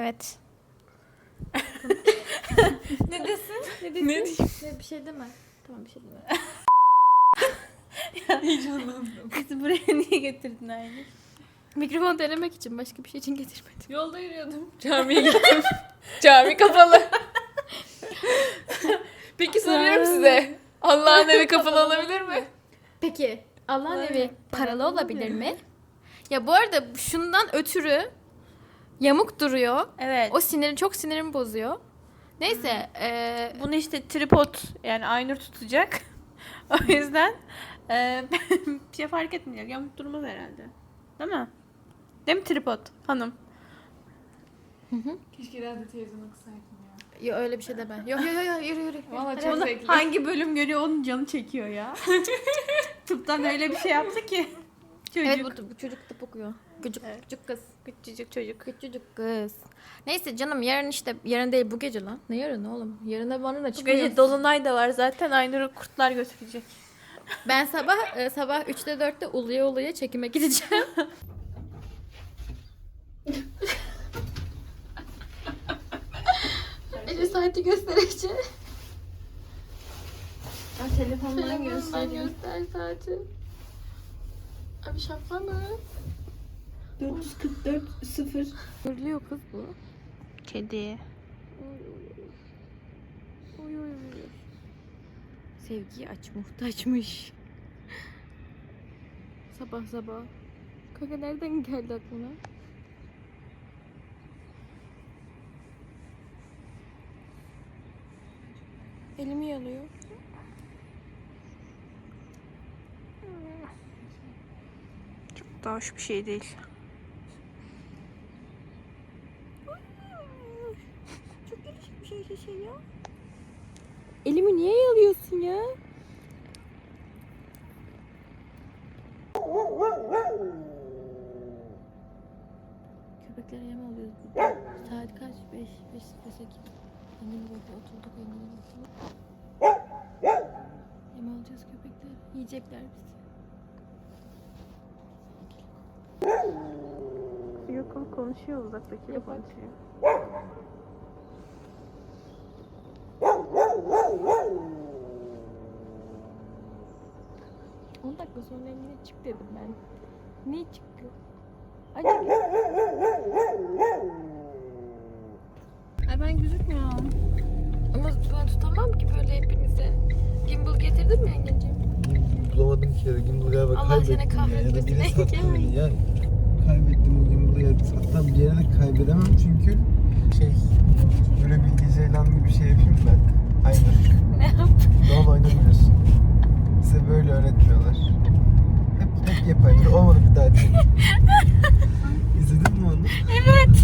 Evet. Ne desin? Ne diyeyim? Bir şey deme. Tamam bir şey deme. Heyecanlandım. Bizi buraya niye getirdin Aylin? Mikrofon denemek için, başka bir şey için getirmedim. Yolda yürüyordum. Camiye gittim. Cami kapalı. Peki soruyorum size. Allah'ın evi kapalı olabilir mi? Peki Allah'ın Öyle. evi paralı olabilir olabilir. mi? Ya bu arada şundan ötürü yamuk duruyor. Evet. O çok sinirimi bozuyor. Neyse. Bunu işte tripod yani Aynur tutacak. O yüzden bir şey fark etmeyecek. Yamuk durmaz herhalde. Değil mi? Değil mi tripod hanım? Keşke radyo televizyonu kısaydım ya. Ya öyle bir şey de ben. Yok yürü. Valla Hadi, çok hadi. zevkli. Hangi bölüm görüyor onun canı çekiyor ya. Tıptan öyle bir şey yaptı ki. Çocuk. Evet bu çocuk tıp okuyor. Küçük kız. Küçücük çocuk. Küçücük kız. Neyse canım yarın değil bu gece lan. Ne yarın oğlum? Yarına bana da Bu çıkıyor. gece dolunay da var zaten. Aynur'u kurtlar götürecek. Ben sabah 3'te 4'te uluya çekime gideceğim. Ece saati göstereceğim. Telefondan Göster saati. Abi şaka mı? 444 0. Görülüyor kız bu. Kedi. Oy. Sevgiye muhtaçmış. Sabah. Kaka nereden geldi aklına? Elimi yanıyor. Çok da hoş bir şey değil. Çok gelişik bir şey ya. Elimi niye yalıyorsun ya? Köpeklere yem alıyoruz burada. Saat kaç? 5:08. Engin burada oturduk. Yem alacağız köpekler. Yiyecekler bizi. Yok o konuşuyor uzaktakiyle Yok, konuşuyor. 10 dakika sonra yine çık dedim ben. Niye çıktı? Acaba... Ay ben gözükmüyorum. Ama ben tutamam ki böyle hepinize. Gimbal getirdin mi yengeciğim? Bulamadım ki ya. Gimbal galiba Allah kaybettim seni ya. Ya da kahretmesin. biri sattı beni ya. Kaybettim o Gimbal'ı ya. Hatta bir yere de kaybedemem çünkü böyle bilgisayardan gibi bir şey yapayım ben. Aynen. Ne yaptın? Doğal oynamıyorsun. Size böyle öğretmiyorlar. Hep yapaydır. Olmadı bir daha çek. İzledin mi onu? Evet.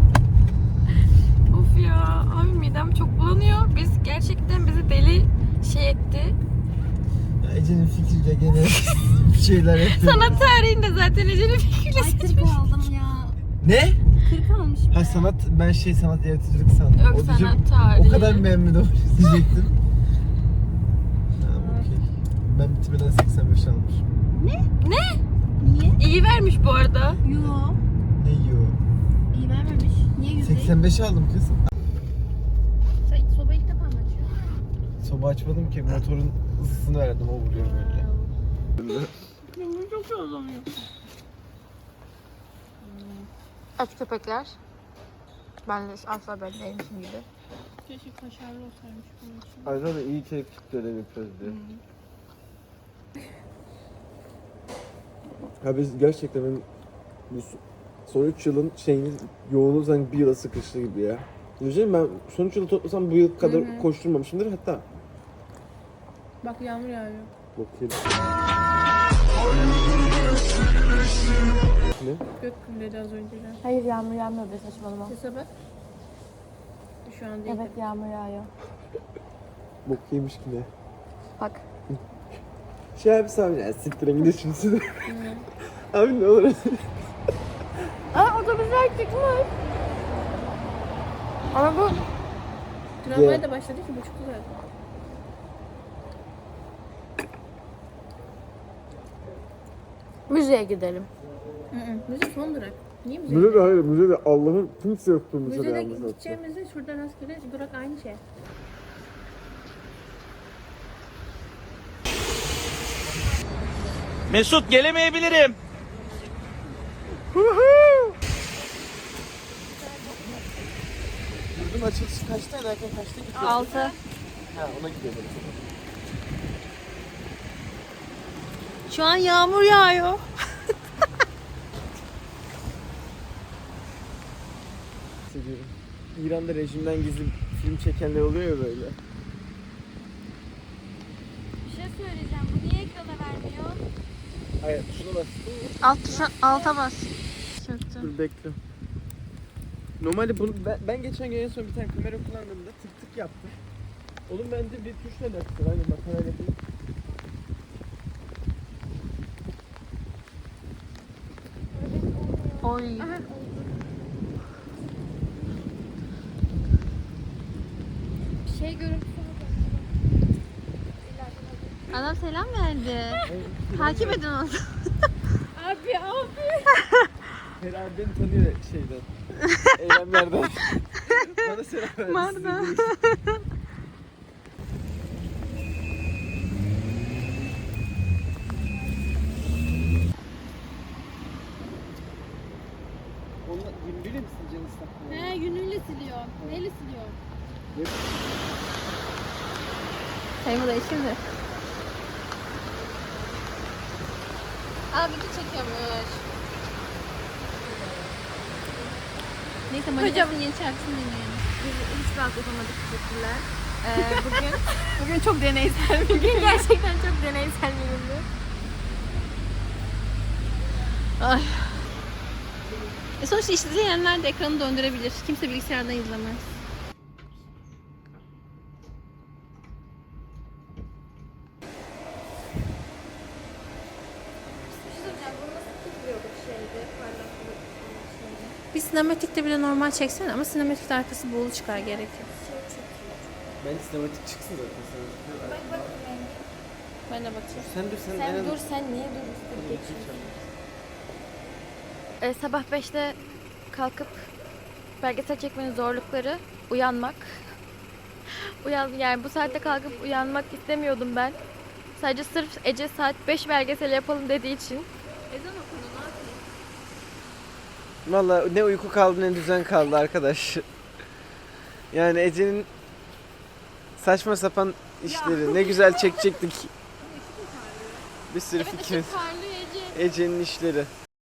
Of ya. Abi midem çok bulanıyor. Bizi deli etti. Ya Ece'nin fikriyle gene bir şeyler yapıyor. Sanat tarihinde zaten Ece'nin fikriyle Ay 40 aldım ya. Ne? 40 almış. Ha sanat, ben sanat yaratıcılık sandım. Yok, O diyeceğim, sanat tarihi. O kadar beğenmedim diyecektim. Tamam okey. Ben bitirmeden 85 almışım. Niye? İyi vermiş bu arada. Yo. Ne yiyor? İyi vermemiş. Niye 100 değil? 85 aldım kız. Sen sobayı ilk defa mı açıyorsun? Soba açmadım ki, motorun ısısını verdim, o vuruyor böyle. Benim çok zorlanıyor. Aç köpekler. Ben de asla ben değilmişim gibi. Keşke kaşarlı olsaymış bunun için. Ayrıca da iyi tepkik dönemi yapıyoruz diye. Ya biz gerçekten bu son 3 yılın yoğunluğu sanki bir yıla sıkıştı gibi ya. Düşünsene ben son 3 yılı toplasam bu yıl kadar koşturmamışımdır hatta. Bak yağmur yağıyor. Bakayım. Ne? Gök gürledi az önceden. Hayır yağmur yağmıyor be saçmalama. Sese bak. Şu an değil. Evet yağmur yağıyor. Bok yemiş ki ne? Bak. Şey abi sen ya siktirin gidiyorsun size. Abi ne olur. Aa otobüsler çıkmış. Ama bu Tramvay da başladı ki buçukta zaten. müzeye gidelim. Müzik son durak. Niye müze? Müze de hayır, müze de Allah'ın kimse yoktu müzede Müzede yalnız hatta. gideceğimizde şurada rastgele durak aynı şey. Mesut gelemeyebilirim. Yurdun açılışı kaçta, erken kaçta gidiyorsun? 6. Ha, ona gidiyorum. Şu an yağmur yağıyor. Hissediyorum. İran'da rejimden gizli film çekenler oluyor ya böyle. Bir şey söyleyeceğim. Bu niye ekrana vermiyor? Hayır, şuna bas. Alta bas. Dur bekle. Normalde bunu ben geçen gün en son bir tane kamera kullandığımda tık tık yaptım. Onun bence bir tuşla alakası var. Hani makarayla değil. Oy. Şey görüntüsü Adam selam verdi. Takip edin onu. Abi. Herhalde beni tanıyor şeyden. Eylemlerden. Bana selam verdi. Marda. Onunla yünlüyle mi sileceğini ıslak? He, yünüyle siliyor. Neyle siliyor? Sayımı da şimdi. Aa video çekiyormuş. Neyse Manica'nın yeni şarkısını dinleyelim. Biz hiç rahat yapamadık. Teşekkürler. Bugün çok deneysel bir Bugün gerçekten çok deneysel bir gündü. Ay. Sonuçta izleyenler de ekranı döndürebilir. Kimse bilgisayardan izlemez. Bir sinematikte bile normal çeksene ama sinematikte arkası buğulu çıkar gerekir. Bence sinematik çıksın zaten. Ben de bakayım. Sen dur sen. Sen dur, sen niye dur? Sabah 5'te kalkıp belgesel çekmenin zorlukları, uyanmak. Yani bu saatte kalkıp uyanmak istemiyordum ben. Sadece sırf Ece saat 5 belgesel yapalım dediği için. Ezan okunu ne yapayım? Valla ne uyku kaldı ne düzen kaldı arkadaş. Yani Ece'nin saçma sapan işleri. Ne güzel çekecektik. Bir sürü fikrimiz. Parlıyor Ece. Ece'nin işleri.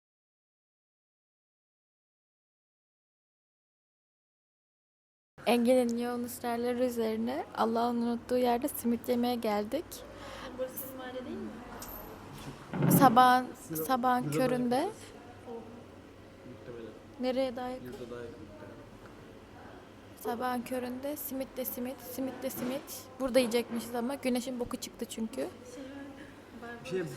Engin'in yoğun ısrarları üzerine Allah'ın unuttuğu yerde simit yemeye geldik. Burası sizin mahalle değil mi? Sabahın köründe. Nereye daha yakın? Sabahın köründe simit de simit, simit de simit. Burada yiyecekmişiz ama güneşin boku çıktı çünkü. Bir şey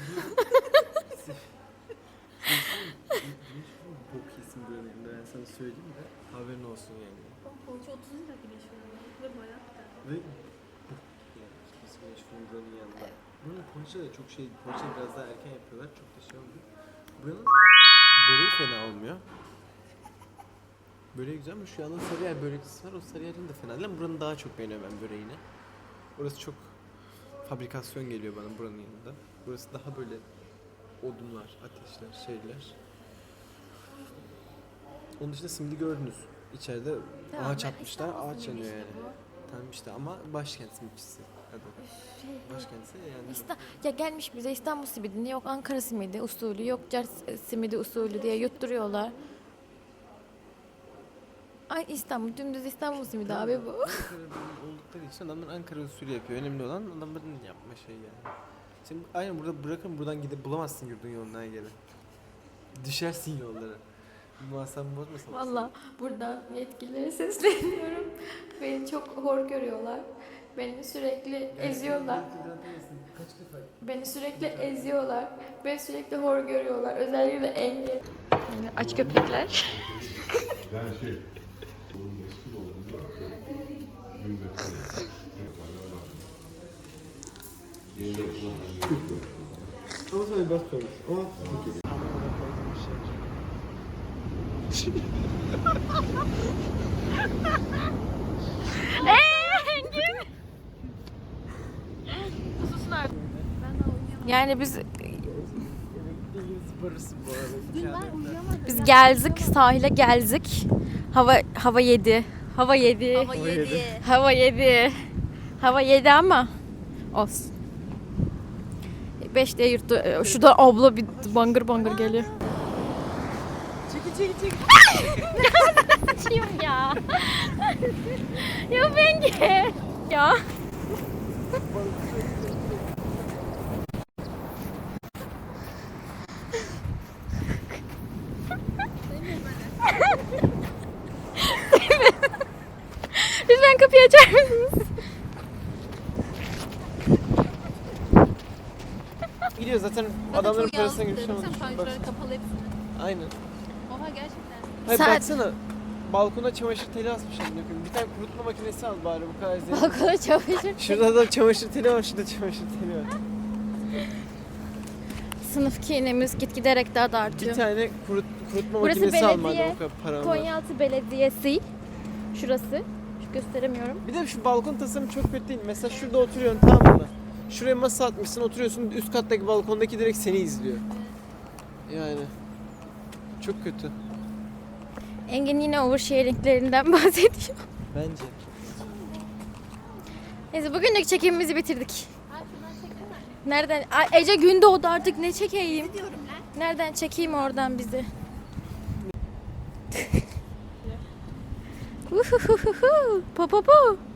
bok yesin böyle ben sana söyleyeyim de haberin olsun yani. Poğaça 30 lira güneş fırında ve bayağı güzel. Ve yani biz güneş fırınlarının yanında. Buranın poğaça da çok şey, poğaça biraz daha erken yapıyorlar. Çok da şey olmuyor. Buranın böreği fena olmuyor. Böreği güzel ama şu anda Sarıyer börekçisi var. O Sarıyer'in de fena değil ama buranın daha çok beğeniyorum ben böreğini. Orası çok fabrikasyon geliyor bana buranın yanında. Burası daha böyle odunlar, ateşler, şeyler. Onun dışında simidi gördünüz. İçeride ağaç atmışlar, ağaç yanıyor yani. Tamam işte ama başkent simitçisi adı. Başkentse yani. Ya gelmiş bize İstanbul simidini, yok Ankara simidi usulü, yok Cers simidi usulü diye yutturuyorlar. Ay İstanbul, dümdüz İstanbul simidi abi bu. Ankara'da oldukları için adamlar Ankara usulü yapıyor. Önemli olan adamların yapma şeyi yani. Şimdi aynen burada bırakın buradan gidip bulamazsın yurdun yoluna göre. Düşersin yollara. Muhasebem bozmasın. Valla burada yetkililere sesleniyorum. Beni çok hor görüyorlar. Beni sürekli eziyorlar. Kaç defa? Beni sürekli eziyorlar. Beni sürekli hor görüyorlar. Özellikle engel. Yani aç köpekler. Yani şey, bunun eski olduğunu da günde Ama sana bir bas koymuş. Ama Yani biz Zıbarırsın bu arada. biz geldik, sahile geldik. Hava yedi. Hava yedi. Hava yedi. Hava yedi ama olsun. 5 diye yurttu. Şurada abla bir bangır bangır geliyor. Çekil. Açıyorum ya. Ya Bengi. Ya. Lütfen kapıyı açar mısınız? Gidiyor zaten adamların parasına girmiş ama. kapalı hepsini. Aynen. Oha gerçekten. Hayır Saat- baksana. Balkona çamaşır teli asmış amına koyayım. Bir tane kurutma makinesi al bari bu kadar zengin. Balkona çamaşır. Şurada da çamaşır teli var, şurada çamaşır teli var. Sınıf kinemiz giderek daha da Bir artıyor. tane kurutma Burası makinesi al madem belediye, o kadar param var. Konyaaltı Belediyesi. Şurası. Şu gösteremiyorum. Bir de şu balkon tasarımı çok kötü değil. Mesela şurada oturuyorsun, tamam mı? Şuraya masa atmışsın, oturuyorsun, üst kattaki balkondaki direkt seni izliyor. Yani çok kötü. Engin yine oversharinglerinden bahsediyor. Bence. Neyse bugünlük çekimimizi bitirdik. Nereden? Ay, Ece gün doğdu artık ne çekeyim? Nereden çekeyim oradan bizi? Uhuhuhuhu. Po po po.